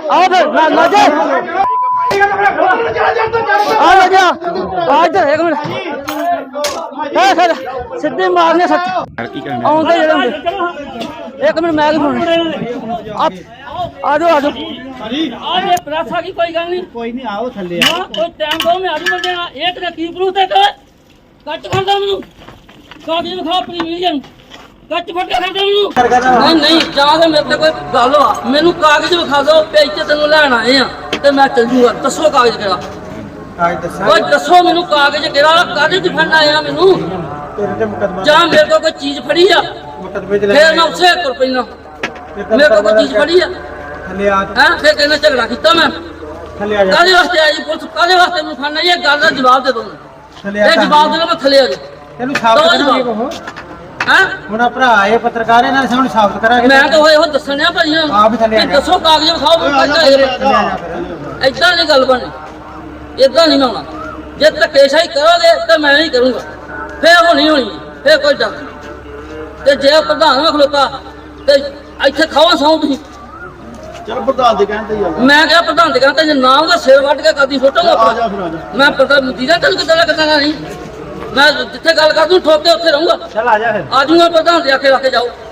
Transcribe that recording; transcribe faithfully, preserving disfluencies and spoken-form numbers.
आओ फिर ना ना जा आ लग गया आ इधर एक मिनट है सर सीधे मारने सच आउंदे जड़े एक मिनट मैं फोन आप आ जाओ आ जाओ आज ये प्रेस आ गई कोई गल नहीं कोई नहीं आओ थल्ले हां कोई टाइम दो मैं आजू बंदे ना एक ने की प्रूफ ते कट खांदा मेनू कागज दिखा प्रीमियम कट फट के खांदा मेनू नहीं नहीं जाके मेरे ते कोई गल हो मेनू कागज दिखा दो पे इत्ते तेनू लेण आए आ ते मैं चल जूंगा दसो कागज केड़ा कागज दसा ओए दसो मेनू कागज केड़ा कागज दिखाण आया मेनू तेरे ते मुकदमा जा मेरे को कोई चीज फड़ी आ मुकदमे च फिर मैं उसे कर पैना मेरे को कोई चीज फड़ी आ थल्ले आ हैं फिर कहना झगड़ा किया मैं थल्ले आ जा कादे वास्ते आई पुलिस कादे वास्ते मैं खाना ये गल दा जवाब दे दो थल्ले आ ये जवाब देना मैं थले आ जा ਤੈਨੂੰ ਸਾਬਤ ਕਰਾਂਗੇ ਕੋ हैं ਹੁਣ ਆ ਭਰਾ ਆਏ ਪੱਤਰਕਾਰ ਇਹਨਾਂ ਦੇ ਸਾਹਮਣੇ ਸਾਬਤ ਕਰਾਂਗੇ मैं तो होए हो दसणिया भाई ਆਪ ਹੀ ਥੱਲੇ ਆ ਜਾ दसो कागज दिखाओ मैं ਥੱਲੇ ਆ ਜਾ ਫਿਰ इतना नहीं गल बनी इतना नहीं मैं होना जे धक्केशाही करोगे तो मैं नहीं करूंगा फिर होनी होनी फिर कोई डर नहीं ते जे प्रधान में खलोता ते इत्थे खावा सौ तुसीं चल प्रधान दे कहते ही मैं क्या प्रधान दे कहते जे नाम का सिर वट के कदी सुटांगा आ जा फिर आ जा मैं पता दीदा तेन कितना करना नहीं मैं जिथे गल कर दूं ठोक के उत्थे रहूंगा ਚੱਲ ਆ ਜਾ ਫਿਰ आ जाऊंगा प्रधान दे आके रख के जाओ